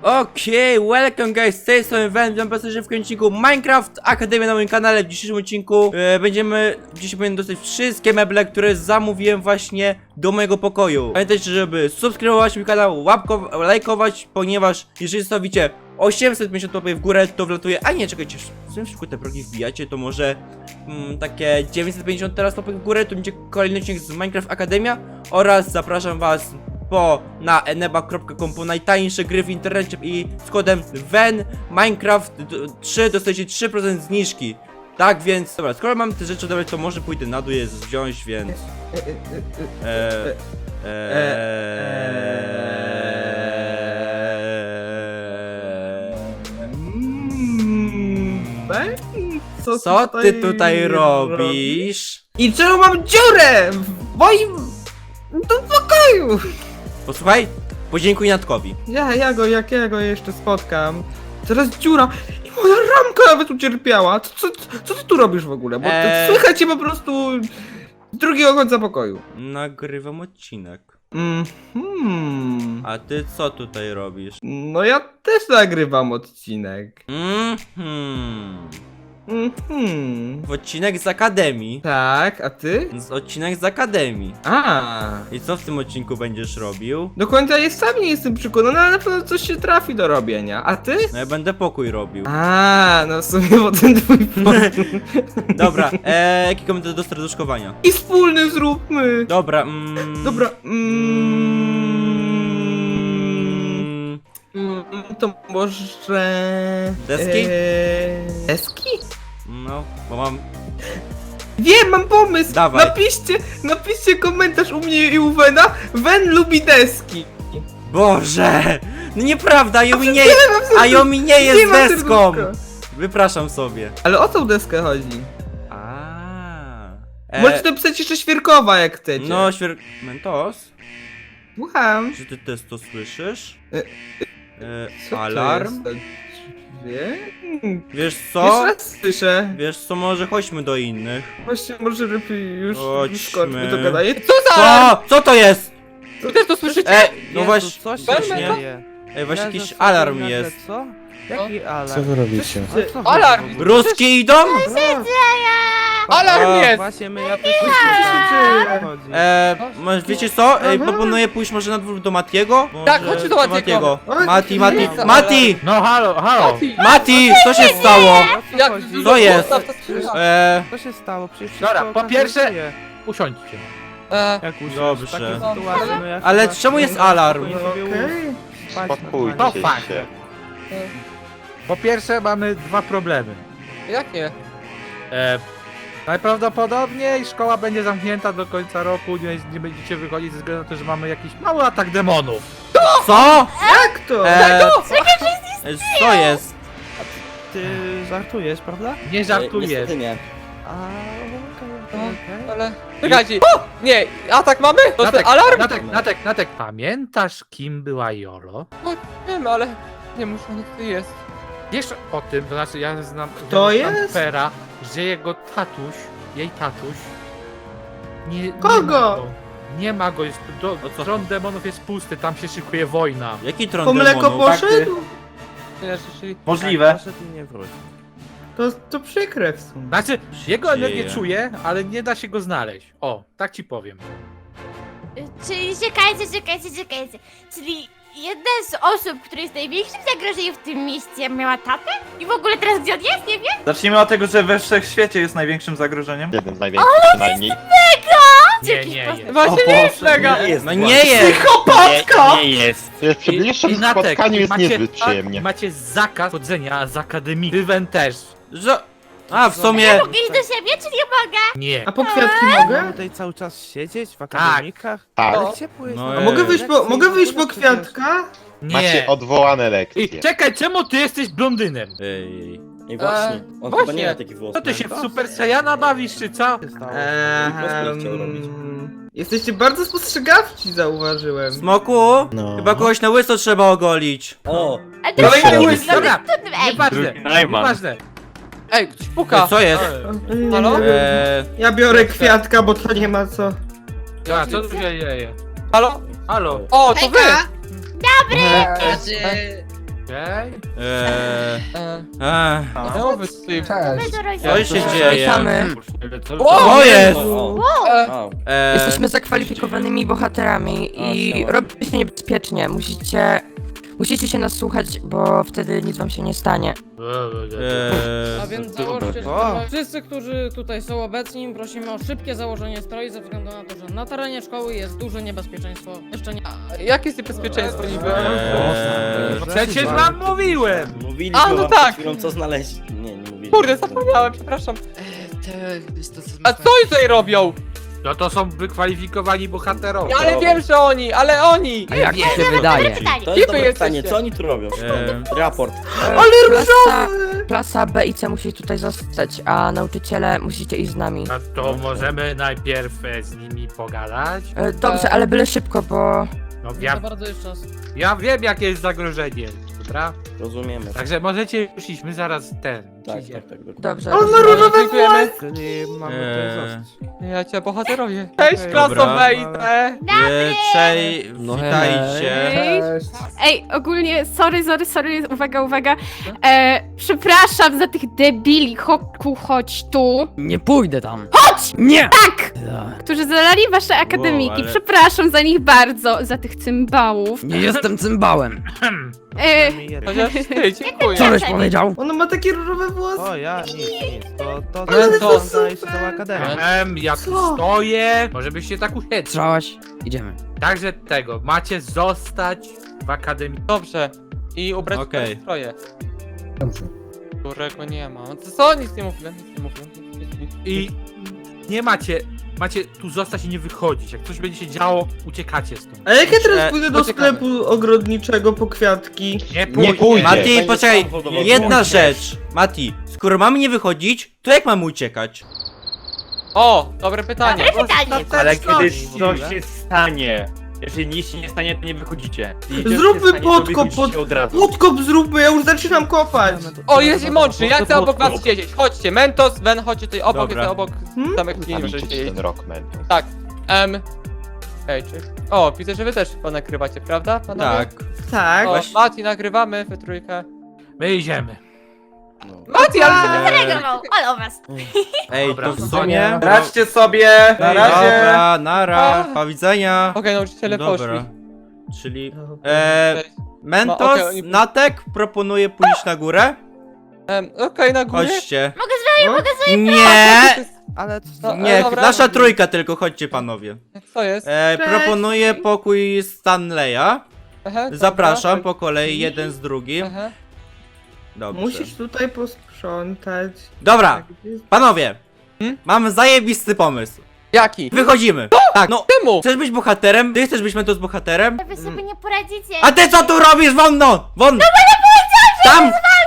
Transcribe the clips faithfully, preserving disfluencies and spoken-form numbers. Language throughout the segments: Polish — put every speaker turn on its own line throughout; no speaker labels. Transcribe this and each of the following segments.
Okej, okay, welcome guys, z tej strony Wen, witam was w odcinku Minecraft Akademia na moim kanale. W dzisiejszym odcinku e, będziemy, dzisiaj powinien dostać wszystkie meble, które zamówiłem właśnie do mojego pokoju. Pamiętajcie, żeby subskrybować mój kanał, łapko, lajkować, ponieważ jeżeli zostawicie osiemset pięćdziesiąt łapek w górę, to wlatuje, a nie, czekajcie, w tym szybko te progi wbijacie, to może mm, takie dziewięćset pięćdziesiąt teraz łapek w górę, to będzie kolejny odcinek z Minecraft Akademia oraz zapraszam was po na eneba kropka com po najtańsze gry w internecie i z kodem wen minecraft trzy dostajecie trzy procent zniżki. Tak więc, dobra, skoro mam te rzeczy odebrać, to może pójdę na dół je wziąć, więc eee, eee,
Co,
Co ty tutaj robisz?
I czemu mam dziurę w moim do pokoju?
Posłuchaj, podziękuj Natkowi.
Ja, ja go, jak ja go jeszcze spotkam. Teraz dziura i moja ramka nawet ucierpiała. Co, co, co ty tu robisz w ogóle? Bo
Eee.
słychać cię po prostu z drugiego końca pokoju.
Nagrywam odcinek.
Mhm.
A ty co tutaj robisz?
No ja też nagrywam odcinek.
Mhm.
Mhm.
W odcinek z Akademii.
Tak, a ty?
Z odcinek z Akademii.
A.
I co w tym odcinku będziesz robił?
Do końca jest sam nie jestem przekonany, ale na pewno coś się trafi do robienia. A ty?
No ja będę pokój robił.
A, no w sumie bo ten twój pomysł.
Dobra, eee, jaki komentarz do serduszkowania?
I wspólny zróbmy.
Dobra, mm,
Dobra. Mm,
mm,
mm, to może...
Deski?
Eee, deski?
No, bo mam...
Wiem, mam pomysł!
Dawaj.
Napiszcie, napiszcie komentarz u mnie i u Wena. Wen lubi deski.
Boże! No nieprawda, Ayumi nie,
Nie mam serduszka.
Ayumi nie jest
Nie mam
deską!
serduszka.
Wypraszam sobie.
Ale o tą deskę chodzi.
A. E,
Możecie napisać jeszcze świerkowa jak chcecie.
No, świer... Mentos?
Słucham.
Czy ty też to słyszysz?
E,
E,
Co to
alarm?
jest? Wie?
Wiesz
Jeszcze
co?
raz słyszę.
Wiesz co, może chodźmy do innych.
Właśnie może lepiej już,
Chodźmy.
już kończmy to gadanie. Co za
Co? Co to jest?
Wy też to słyszycie?
E, no
Jezu,
właśnie,
co się
właśnie,
dzieje?
ej, właśnie
Ja
jakiś
zasłucham
alarm
nagle,
jest.
Co? Jaki alarm?
Co wy robicie?
Ale co wy
Alarm!
w ogóle?
Ruski idą?
Alarm
A,
jest!
Właśnie my ja też
dzieje?
chodzi.
E, może wiecie co? Ej,
Aha.
proponuję pójść może na dwór do Matiego? Może
Tak, chodźmy do Matiego. Oj,
Mati, Mati,
jest alarm.
Mati!
No halo, halo!
Mati, co się stało?
O co chodzi?
Co jest? E,
Co się stało? Przecież
Dobra,
wszystko
po pierwsze-
okazuje.
Usiądźcie.
Jak usiąść?
Dobrze.
W takiej sytuacji, no ja
Ale
chyba
czemu jest
spokojnie
alarm?
sobie
Okej.
spać
Spokójcie
normalnie.
To fakt.
się.
Po pierwsze mamy dwa problemy.
Jakie?
E, najprawdopodobniej szkoła będzie zamknięta do końca roku, nie, nie będziecie wychodzić ze względu na to, że mamy jakiś mały atak demonów.
co?
Jak to?
E, co jest?
Ty żartujesz, prawda?
Nie żartuję.
Niestety nie.
A, okej, okej, okej.
Ale... Czekajcie! Nie! Atak mamy? To
Natek,
ten alarm?
Natek, Natek, Natek, pamiętasz kim była Jolo?
Wiem, ale... Nie muszę, niech to jest.
Wiesz o tym, to znaczy ja znam
To
znam
jest?
Pera, że jego tatuś, jej tatuś nie, nie
Kogo?
ma go. Nie ma go, jest, do,
O co?
tron demonów jest pusty, tam się szykuje wojna.
Jaki tron
Po mleko
demonów?
poszedł?
Nie, czyli...
Możliwe. Proszę ty nie wróć.
To, to przykre w sumie.
Znaczy, jego energię
dzieje?
czuję, ale nie da się go znaleźć. O, tak ci powiem.
Czyli czekajcie, czekajcie, czekajcie. Czyli jedna z osób, która jest największym zagrożeniem w tym mieście, miała tatę? I w ogóle teraz gdzie on jest, nie wiem?
Zacznijmy od tego, że we wszechświecie jest największym zagrożeniem.
Jednym z największych przynajmniej.
Nie,
Jakiś
nie
pas-
jest.
Właśnie nie jest mega!
Nie jest.
No nie jest!
Psychopatka!
Nie, nie jest. Wiesz, przy bliższym
Natek,
spotkaniu jest
macie-
niezbyt przyjemnie.
Macie zakaz chodzenia z akademii. Rywen też.
Że... A, w sumie...
Mogę iść do siebie, czy nie mogę?
Nie.
A po kwiatki
Mamy
mogę?
tutaj cały czas siedzieć w akademikach?
Tak.
Ale ciepło jest.
No
na
ej.
A mogę wyjść po,
lekcji,
mogę wyjść po
w ogóle przecież.
kwiatka?
Macie
Nie.
odwołane lekcje.
I czekaj, czemu ty jesteś blondynem?
Ej,
I właśnie, on
właśnie.
chyba nie ma takich włosów.
Co ty się w Super Saiyana bawisz, czy co?
Co się stało?
Ehm,
chciał robić.
Jesteście bardzo spostrzegawci, zauważyłem.
Smoku?
No.
Chyba kogoś na łyso trzeba ogolić.
O!
Ale to
Kolejny
jest
łysy.
Dobra,
Ej,
nieważne, nieważne.
Ej, ktoś puka!
Ej, co jest?
Halo?
Eee,
Ja biorę kwiatka, bo to nie ma co.
Ja, co tu się dzieje?
Halo?
Halo?
O, to wy!
Dobry!
Okej.
Eee,
E,
ech,
no wy tutaj...
My do
co się dzieje?
Witamy.
Co jest?
E,
Eee,
Jesteśmy zakwalifikowanymi bohaterami i robi się niebezpiecznie. Musicie... Musicie się nas słuchać, bo wtedy nic wam się nie stanie.
eee,
A więc założcie stroje. Wszyscy, którzy tutaj są obecni, prosimy o szybkie założenie stroi ze względu na to, że na terenie szkoły jest duże niebezpieczeństwo. Jeszcze nie...
jakie jest niebezpieczeństwo niby?
eee,
Przecież wam mówiłem!
Mówiliśmy
A, no
wam
tak.
przed chwilą, co znaleźć. Nie, nie mówiliśmy.
Kurde, zapomniałem, przepraszam. A co oni tutaj robią?
No to są wykwalifikowani bohaterowie.
Ale wiem, że oni, ale oni!
A jak mi się wydaje?
pytanie.
To jest dobre
jesteście.
pytanie, co oni tu robią?
eee,
Raport.
Klasa, klasa B i C musi tutaj zostać, a nauczyciele musicie iść z nami.
A to możemy najpierw e, z nimi pogadać?
E, Dobrze, ale byle szybko, bo...
No
Ja
ja,
bardzo jest czas.
ja wiem jakie jest zagrożenie, dobra?
Rozumiemy.
Także możecie już iść, my zaraz ten.
Tak,
przyjdziemy.
tak, tak. dokładnie.
Dobrze.
On ma różowe
Dziękujemy.
Czyli mamy
Eee.
tutaj zostać.
Ja cię bohaterowie. Cześć,
Okej,
klaso
dobra.
B i C.
eee, Czej,
No
witajcie.
Cześć.
Ej, ogólnie, sorry, sorry, sorry, uwaga, uwaga. E, przepraszam za tych debili, Hoku, chodź tu.
Nie pójdę tam.
Chodź!
Nie!
Tak! Którzy zalali wasze akademiki.
ale-
Przepraszam za nich bardzo, za tych cymbałów.
Nie jestem cymbałem.
E,
Chociaż ty, dziękuję.
Co żeś powiedział?
Ona ma takie różowe włosy.
O, ja nic, nic. To, to,
Ale
to,
to
to daje się całą akademię.
Em, ja tu
Co?
stoję, może byście tak usiedli.
Słyszałaś? Idziemy.
Także tego, macie zostać w akademii.
Dobrze. I ubrać
Okej.
okay. stroje. Którego nie ma. No to co? Nic nie mówię, nic nie mówię. Nic, nic.
I nie macie, macie tu zostać i nie wychodzić. Jak coś będzie się działo, uciekacie stąd.
A jak ja
E,
teraz pójdę do
poczekamy.
sklepu ogrodniczego po kwiatki?
Nie
Nie
pójdzie.
pójdzie.
Mati,
Będzie
poczekaj,
samochodowo.
jedna
Pójdziesz.
rzecz. Mati, skoro mamy nie wychodzić, to jak mamy uciekać?
O, dobre pytanie.
dobre pytanie.
Ale
kiedy
coś
się stanie, jeżeli nic się nie stanie, to nie wychodzicie.
Zróbmy podkop, pod...
od razu.
podkop zróbmy, ja już zaczynam kopać.
O, jest i mądrzy, ja chcę obok was siedzieć. Chodźcie, Mentos, Ven, chodźcie tutaj obok,
Dobra.
ja obok
Hmm?
samych nie możecie
Zaliczyć
siedzieć.
ten rok, man.
Tak. Em. Ej, czy... O, widzę, że wy też chyba nagrywacie, prawda? Panowie?
Tak.
Tak.
O, Mati, nagrywamy, wy trójkę.
My idziemy.
Mati, ale...
zareagował, ale o was.
Ej,
Dobra,
to w
to
sumie...
Radźcie sobie! Na razie!
Dobra, nara, do widzenia.
Okej, nauczyciele
Dobra.
poszli.
Czyli... E,
Cześć.
Mentos,
No, okej, oni-
Natek proponuje pójść na górę.
Em, Okej, na górę.
Chodźcie.
Mogę z wami, mogę z
Nie!
Ale
No,
Nie,
dobra.
nasza trójka tylko, chodźcie panowie.
Co jest?
E,
Cześć.
proponuję pokój Stanleya.
Aha, dobra.
Zapraszam po kolei, jeden z drugim.
Aha.
Dobrze.
Musisz tutaj posprzątać.
Dobra, panowie.
Hmm?
Mam zajebisty pomysł.
Jaki?
Wychodzimy. Tak, no.
Czemu?
Chcesz być bohaterem? Ty chcesz być Mentos bohaterem?
Wy sobie nie poradzicie.
A ty co tu robisz, wonno? Won! No bo nie Tam!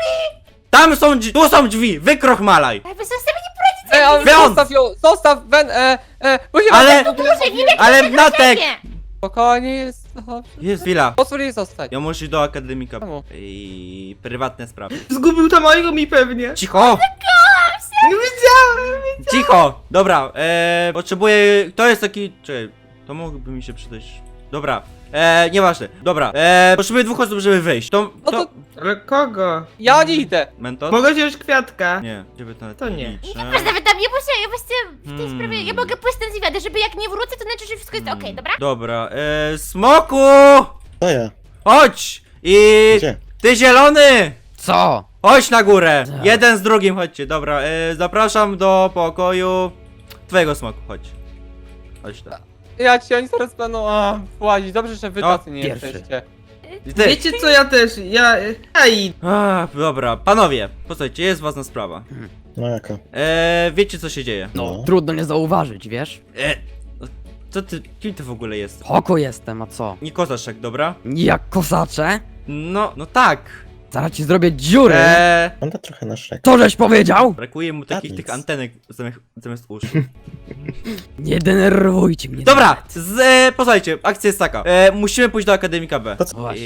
Tam są drzwi, tu są drzwi, wykrochmalaj.
Wy sobie nie poradzicie.
Ej, ale
Wy on!
zostaw ją, zostaw, Wen, e, e, bo się
Ale-
w ogóle...
Muszę nim jak
Ale
się
Natek!
siebie.
Spokojnie jest, dobrze.
Jest chwila.
Pozwól jej zostać.
Ja muszę iść do akademika.
Czemu?
I prywatne sprawy.
Zgubił tam mojego mi pewnie.
Cicho!
Nie widziałem.
Cicho! Dobra, eee, potrzebuję... To jest taki... Czekaj, to mógłby mi się przydać... Dobra, eee, nieważne. Dobra, eee, potrzebuję dwóch osób, żeby wyjść. To...
No
to...
to
Ale kogo?
ja nie idę.
Mentos?
Mogę wziąć kwiatka?
Nie, gdzie by to
To nie.
liczę.
Proszę, nawet tam nie muszę, ja właściwie w tej
Hmm.
sprawie, ja mogę pójść ten zwiady, żeby jak nie wrócę, to znaczy, że wszystko jest okej, dobra?
Dobra, eee, Smoku!
To ja.
Chodź! I...
Gdzie?
Ty zielony!
Co?
Chodź na górę!
Tak.
Jeden z drugim, chodźcie, dobra, e, zapraszam do pokoju twojego smoku, chodź. Chodź tam.
Ja ci, oni zaraz będą, a, włazić. Dobrze, że wy
No,
tacy nie
pierwszy.
jesteście.
I ty.
Wiecie co, ja też, ja... Ja idę.
A, dobra, panowie, posłuchajcie, jest ważna sprawa.
No jaka?
E, wiecie co się dzieje?
No.
Trudno nie zauważyć, wiesz?
E, co ty, kim ty w ogóle jest?
Hoko jestem, a co?
Nie kozaszek, dobra?
Jak kosacze?
No, no tak.
Zaraz ci zrobię dziury.
E,
Wygląda trochę na Shrek.
Co żeś powiedział?
brakuje mu takich
nic.
tych antenek zamiast, zamiast uszu.
Nie denerwujcie mnie.
Dobra,
nawet.
z, e, posłuchajcie, akcja jest taka. E, musimy pójść do Akademika B.
To co?
Właśnie.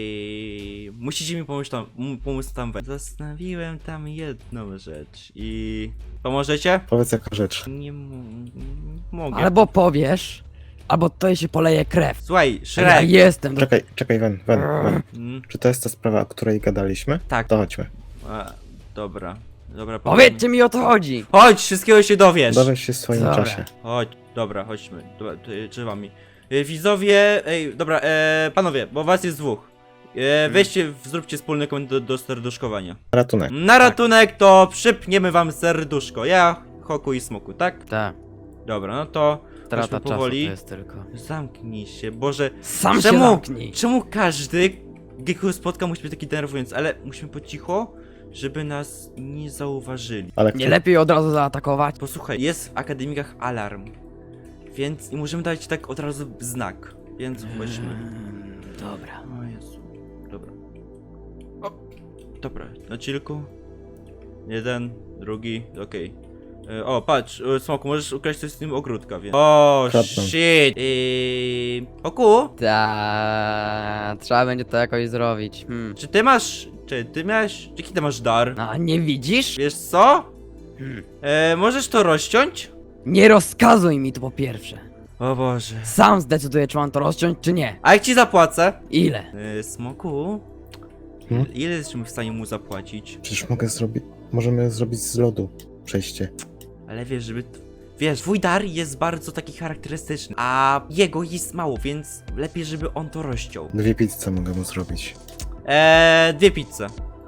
I musicie mi pomóc tam, m- pomóc tam wejść. Zostawiłem tam jedną rzecz i... Pomożecie?
Powiedz jaka rzecz.
Nie m- mogę.
Albo powiesz, albo to się poleje krew.
Słuchaj,
Ja
Shrek.
jestem. Do...
Czekaj, czekaj, Wen, Wen, Wen.
Mm,
Czy to jest ta sprawa, o której gadaliśmy?
tak.
To chodźmy.
A, dobra. Dobra,
Powiedzcie mi, o co chodzi.
Chodź, wszystkiego się dowiesz.
Dowiesz się w swoim
Dobra.
czasie.
Chodź, dobra, chodźmy. Dobra, tutaj drzewami. E, widzowie, ej, dobra, e, panowie, bo was jest dwóch. E, weźcie, zróbcie wspólny koment do, do serduszkowania.
Ratunek.
Na ratunek to przypniemy wam serduszko. Ja, Hoku i Smoku, tak?
Tak,
Dobra, no to
strata
chodźmy
czasu to
powoli.
jest tylko.
Zamknij się, Boże.
Sam
Czemu?
się zamknij.
Czemu każdy, jakiego spotka, musi być taki denerwujący? Ale musimy po cicho, żeby nas nie zauważyli.
Ale
Nie
kto?
lepiej od razu zaatakować?
Posłuchaj, jest w akademikach alarm. Więc i możemy dać tak od razu znak. Więc chodźmy.
Mm, Dobra.
O Jezu. Dobra. O. Dobra, na chillku. Jeden, drugi, okej. E, O, patrz, e, Smoku, możesz ukraść coś z tym ogródka, więc... O,
Kradną.
shit! Yy... Oku,
Ta, trzeba będzie to jakoś zrobić. Hmm.
czy ty masz... Czy ty miałeś... Jaki ty masz dar?
A nie widzisz?
Wiesz co?
Hmm.
E, możesz to rozciąć?
Nie rozkazuj mi to po pierwsze.
O Boże.
Sam zdecyduję, czy mam to rozciąć, czy nie.
A jak ci zapłacę?
Ile?
E, Smoku?
Hmm?
Ile jesteśmy w stanie mu zapłacić?
Przecież mogę zrobić... Możemy zrobić z lodu przejście.
Ale wiesz, żeby... Wiesz, twój dar jest bardzo taki charakterystyczny, a jego jest mało, więc lepiej, żeby on to rozciął.
Dwie pizze mogę mu zrobić.
Eee, dwie pizze.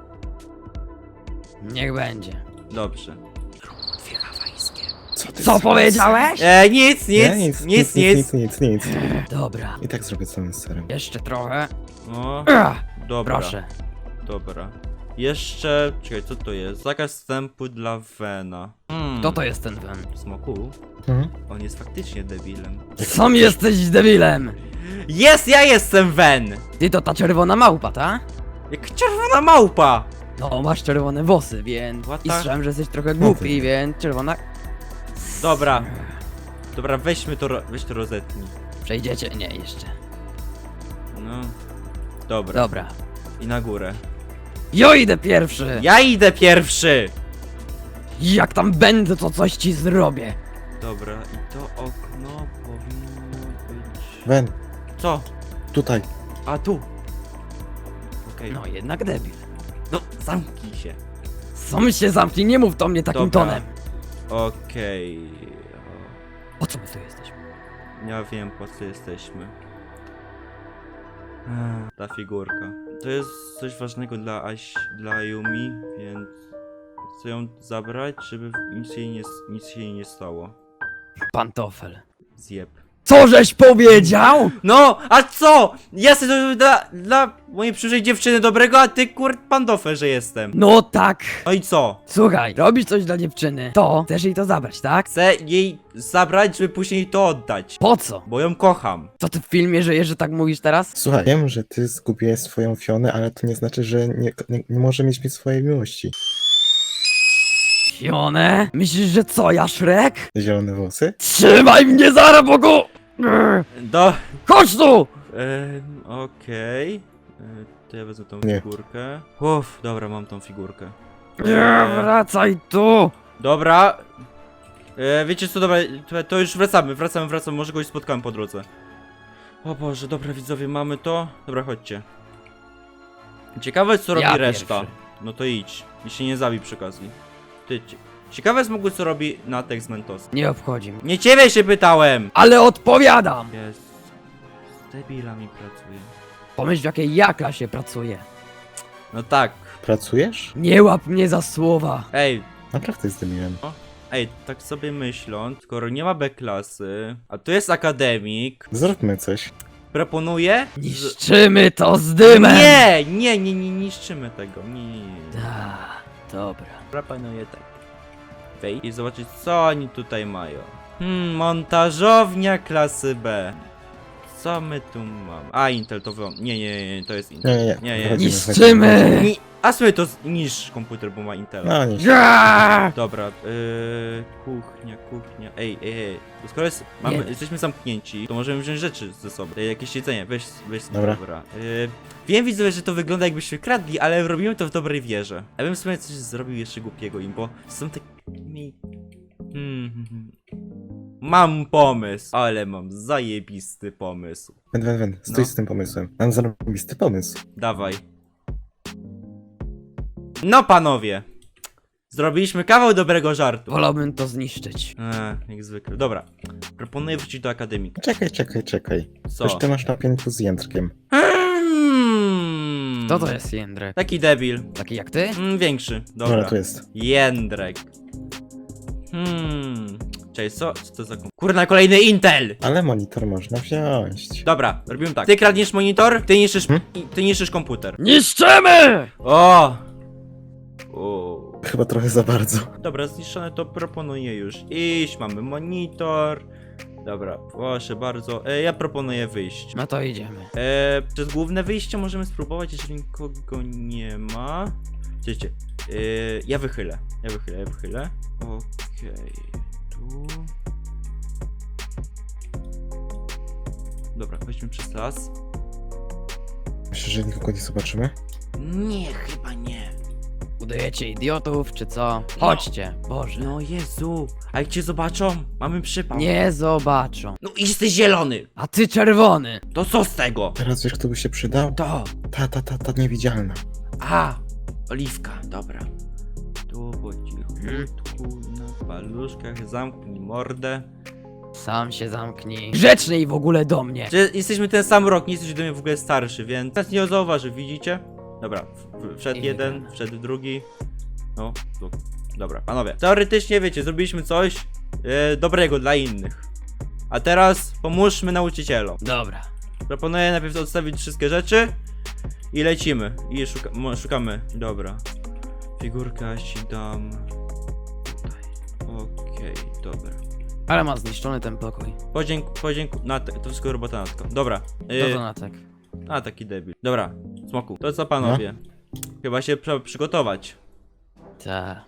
Niech będzie.
Dobrze.
Co ty
Co
zrobisz?
powiedziałeś?
Eee, nic, nic,
Nie,
nic,
nic,
nic,
nic, nic, nic, nic.
Dobra.
I tak zrobię całym serem.
Jeszcze trochę.
O,
Ach,
dobra,
proszę.
dobra. Jeszcze... Czekaj, co to jest? Zakaz wstępu dla Vena. Hmm.
Kto to jest ten Wen?
Smoku?
Mhm.
On jest faktycznie debilem.
Sam jesteś debilem!
Jest, ja jestem Ven!
Ty to ta czerwona małpa, ta?
Jak czerwona małpa!
No, masz czerwone włosy, więc...
What
I
the-
słyszałem, że jesteś trochę głupi, więc czerwona...
Dobra. Dobra, weźmy to, ro- weź to rozetnij.
Przejdziecie? Nie, jeszcze.
No. Dobra.
Dobra.
I na górę.
Jo, idę pierwszy!
Ja idę pierwszy!
Jak tam będę, to coś ci zrobię.
Dobra, i to okno powinno być...
Wen,
Co?
tutaj.
A, tu. Okej.
No, jednak debil.
No, zamknij się.
Sam się zamknij, nie mów do mnie takim
Dobra.
tonem.
Okej.
Po co my tu jesteśmy?
O, Ja wiem, po co jesteśmy. Ech, Ta figurka. To jest coś ważnego dla Aś, dla Yumi, więc chcę ją zabrać, żeby nic jej nie, nic się jej nie stało.
Pantofel.
Zjeb.
Co żeś powiedział?
No, a co? Ja sobie to dla, dla mojej przyszłej dziewczyny dobrego, a ty kurt pandofer, że jestem.
No tak.
No i co?
Słuchaj, robisz coś dla dziewczyny, to chcesz jej to zabrać, tak?
Chcę jej zabrać, żeby później to oddać.
Po co?
Bo ją kocham.
Co ty w filmie żyjesz, że tak mówisz teraz?
Słuchaj, wiem, że ty zgubiłeś swoją Fionę, ale to nie znaczy, że nie, nie, nie może mieć mi swojej miłości.
Fione? Myślisz, że co, ja Shrek?
Zielone włosy?
Trzymaj mnie za bogu! Grr.
Do...
Chodź tu!
Ehm, okej. E, To ja wezmę tą
Nie.
figurkę. Uff, dobra, mam tą figurkę.
Nie, wracaj tu!
Dobra. E, wiecie co, dobra, to, to już wracamy, wracamy, wracamy, może kogoś spotkałem po drodze. O Boże, dobra widzowie, mamy to. Dobra, chodźcie. Ciekawe co robi
Ja
reszta.
pierwszy.
No to idź. I się nie zabij przy okazji. Ty, cie- ciekawe jest mogły co robi Natek z Mentos.
Nie obchodzi mnie.
Nie ciebie się pytałem!
Ale odpowiadam!
Jest. Z debilami pracuje.
Pomyśl, w jakiej ja klasie pracuję.
No tak.
Pracujesz?
Nie łap mnie za słowa.
Ej,
Naprawdę zdymiłem.
ej, tak sobie myśląc, skoro nie ma B-klasy, a tu jest akademik,
Zróbmy coś.
proponuję... z-
Niszczymy to z dymem!
Nie, nie, nie, nie niszczymy tego, nie, nie, nie.
Ta, dobra.
Proponuję tak. Wejść i zobaczyć co oni tutaj mają. Hmm, montażownia klasy B. Co my tu mamy? A, Intel to wy... Nie, nie, nie, to jest Intel.
Nie, nie, nie.
nie, nie.
Wychodzimy,
Niszczymy!
wychodzimy.
Ni a sobie to z- niż komputer, bo ma Intel.
No nie.
Ja!
Dobra, yy, kuchnia, kuchnia. Ej, ej, ej. To skoro jest, mamy,
Nie.
jesteśmy zamknięci, to możemy wziąć rzeczy ze sobą. Ej, jakieś jedzenie, weź, weź sobie,
Dobra.
dobra. Yy, wiem, widzowie, że to wygląda jakbyśmy kradli, ale robimy to w dobrej wierze. Ja bym sobie coś zrobił jeszcze głupiego im, bo są takimi... Hmm, hmm, hmm. Mam pomysł, ale mam zajebisty pomysł.
Wen, wen, wen, stój
No.
z tym pomysłem. Mam zarobisty pomysł.
Dawaj. No panowie. Zrobiliśmy kawał dobrego żartu.
Wolałbym to zniszczyć.
Eee, jak zwykle. Dobra. Proponuję wrócić do akademika.
Czekaj, czekaj, czekaj.
Co?
Coś ty masz na piętku z jędrkiem.
Hmm.
Kto to jest Jędrek?
Taki debil.
Taki jak ty?
Mm, większy.
Dobra,
Dobra.
tu jest.
Jędrek. Hmm. Cześć, co? Co to za kom... Kurna, kolejny Intel!
Ale monitor można wziąć.
Dobra, robimy tak. Ty kradniesz monitor, ty niszczysz,
Hmm?
i- ty niszczysz komputer.
Niszczymy!
O! o.
Chyba trochę za bardzo.
Dobra, zniszczone to proponuję już iść, mamy monitor. Dobra, proszę bardzo. E, ja proponuję wyjść.
No to idziemy.
E, przez główne wyjście możemy spróbować, jeżeli nikogo nie ma. Wiecie, e, ja wychylę. Ja wychylę, ja wychylę. Okej, tu. Dobra, weźmy przez las.
Myślę, że nikogo nie zobaczymy?
Nie, chyba nie.
Udajecie idiotów, czy co? Chodźcie, Boże.
No Jezu, a jak cię zobaczą? Mamy przypał.
Nie zobaczą.
No jesteś zielony.
A ty czerwony.
To co z tego?
Teraz wiesz, kto by się przydał?
To.
Ta, ta, ta, ta niewidzialna.
A, oliwka, dobra. Tu po cichutku, na paluszkach, zamknij mordę.
Sam się zamknij. Grzeczniej w ogóle do mnie.
Że jesteśmy ten sam rok, nie jesteś do mnie w ogóle starszy, więc nas nie zauważy, widzicie? Dobra, w- w- wszedł
I
jeden,
wygrana.
wszedł drugi. No, tu. Dobra, panowie. Teoretycznie, wiecie, zrobiliśmy coś e, dobrego dla innych. A teraz pomóżmy nauczycielom.
Dobra.
Proponuję najpierw odstawić wszystkie rzeczy i lecimy. I szuka mo- szukamy. Dobra. Figurka ci dam tutaj. Okej, dobra.
Ale ma zniszczony ten pokój.
Podzięk, podzięku, Natek, to wszystko robota Natka. Dobra.
Do
Yy,
donatek.
a, taki debil. Dobra, Smoku, to co panowie? Chyba się trzeba przygotować.
Ta.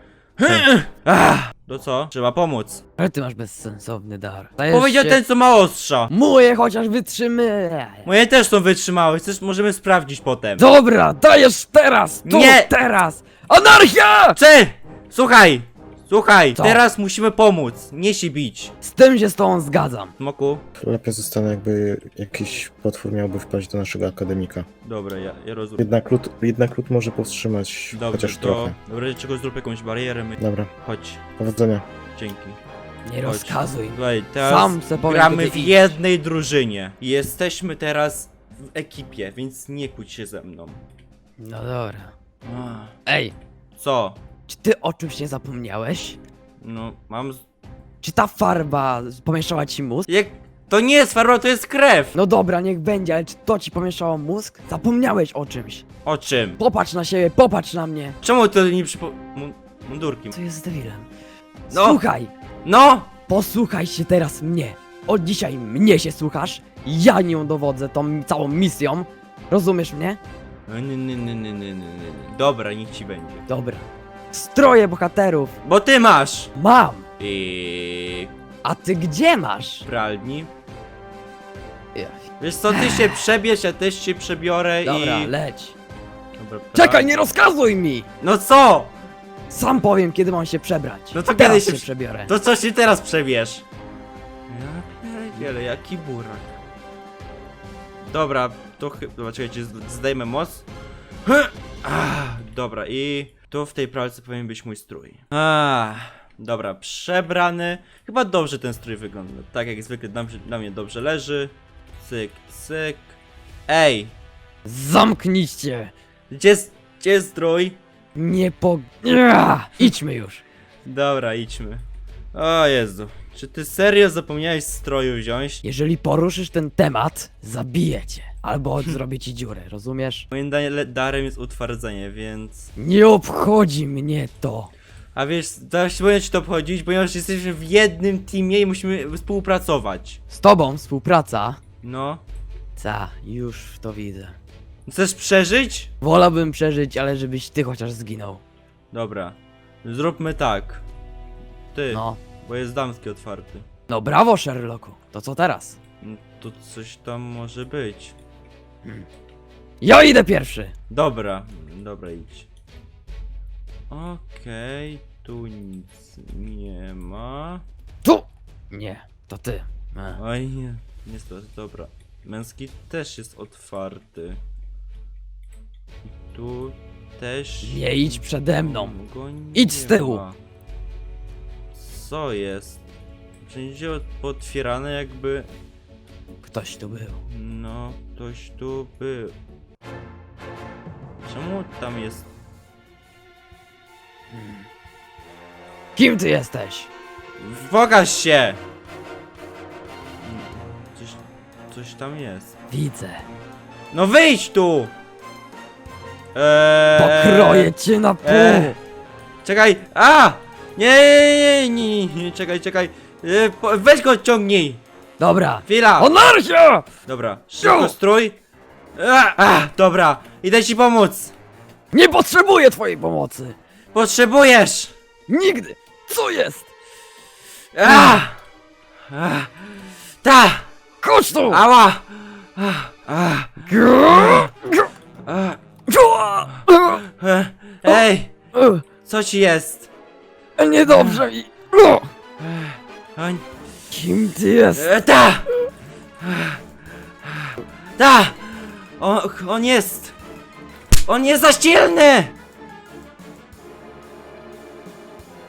Ach, to co? Trzeba pomóc.
Ale ty masz bezsensowny dar. Dajesz
Powiedział
się...
ten, co ma ostrza.
Moje chociaż wytrzymy.
Moje też są wytrzymałe, chcesz, możemy sprawdzić potem.
Dobra, dajesz teraz! Tu,
Nie!
teraz! Anarchia!
Czy! Słuchaj! Słuchaj,
Co?
teraz musimy pomóc, nie się bić.
Z tym się z tobą zgadzam.
Smoku?
Lepiej zostanę, jakby jakiś potwór miałby wpaść do naszego akademika.
Dobra, ja, ja rozumiem.
Jednak lód, jednak lód może powstrzymać
Dobrze,
chociaż
to...
trochę.
Dobra, czego zrób jakąś barierę, my...
Dobra,
Chodź,
powodzenia.
dzięki.
Nie
Chodź.
rozkazuj.
Słuchaj, teraz
Sam se powiem,
gramy
kiedy
w
iść.
jednej drużynie. Jesteśmy teraz w ekipie, więc nie kłóć się ze mną.
No dobra.
Ach,
Ej,
Co?
czy ty o czymś nie zapomniałeś?
No, mam... z-
Czy ta farba pomieszała ci mózg?
Jak... To nie jest farba, to jest krew!
No dobra, niech będzie, ale czy to ci pomieszało mózg? Zapomniałeś o czymś.
O czym?
Popatrz na siebie, popatrz na mnie.
Czemu to nie przypo... Mu- Mundurki.
Co jest z debilem?
No.
Słuchaj,
No!
posłuchaj się teraz mnie. Od dzisiaj mnie się słuchasz. Ja nią dowodzę tą całą misją. Rozumiesz mnie?
Nie, nie, nie, nie, nie, nie, nie. Dobra, niech ci będzie.
Dobra. Stroje bohaterów
Bo ty masz!
mam.
I
A ty gdzie masz?
pralni.
Ja.
Wiesz co, ty się przebierz, ja też się przebiorę
Dobra,
i...
leć.
Dobra, pra-
Czekaj, nie rozkazuj mi!
No co?
Sam powiem, kiedy mam się przebrać.
No to
A teraz
kiedy się
się
prze-
przebiorę.
To co się teraz przebierz? Ja pierdzielę, jaki burak. Dobra, to chyba... Dobra, czekajcie, z- zdejmę moc. Ah, dobra, i... Tu w tej pralce powinien być mój strój. Ah, dobra, przebrany. Chyba dobrze ten strój wygląda. Tak jak zwykle dla, mnie- dla mnie dobrze leży. Cyk, cyk. Ej,
Zamknijcie!
gdzie, jest- gdzie jest strój?
Nie po... Ja! Idźmy już.
Dobra, idźmy. O Jezu, czy ty serio zapomniałeś stroju wziąć?
Jeżeli poruszysz ten temat, zabiję cię. Albo zrobię ci dziurę, rozumiesz?
Moim da- darem jest utwardzenie, więc...
Nie obchodzi mnie to.
A wiesz, teraz powinien ci to obchodzić, ponieważ jesteśmy w jednym teamie i musimy współpracować.
Z tobą współpraca.
No.
Ta, już to widzę.
Chcesz przeżyć?
Wolałbym przeżyć, ale żebyś ty chociaż zginął.
Dobra. Zróbmy tak. Ty,
No.
bo jest damski otwarty.
No brawo, Sherlocku. To co teraz?
No, to coś tam może być.
Ja idę pierwszy.
Dobra, dobra, idź. Okej, tu nic nie ma.
Tu! Nie.
To ty. E.
Oj, nie, niestety, dobra. Męski też jest otwarty. I tu też...
Nie idź przede mną.
Go nie
Idź z tyłu.
ma. Co jest? Wszędzie potwierane jakby...
Ktoś tu był.
No, ktoś tu był. Czemu tam jest...
Kim ty jesteś?
Pokaż się! Coś, coś tam jest.
Widzę.
No wyjdź tu! Eee,
Pokroję cię na pół!
eee, Czekaj! A! Nie, nie, nie, nie, nie, nie, czekaj, czekaj. Eee, po- weź go odciągnij!
Dobra.
Chwila!
Anarchia!
Dobra, szybko strój. A, a, dobra, idę ci pomóc.
Nie potrzebuję twojej pomocy!
Potrzebujesz!
Nigdy! Co jest?
A! A! Ta!
Chodź tu!
Ała! A! A! A! E, Ej! Co ci jest?
Niedobrze mi!
O,
Kim ty jest?
e, ta! Ta! On, on jest! On jest za silny!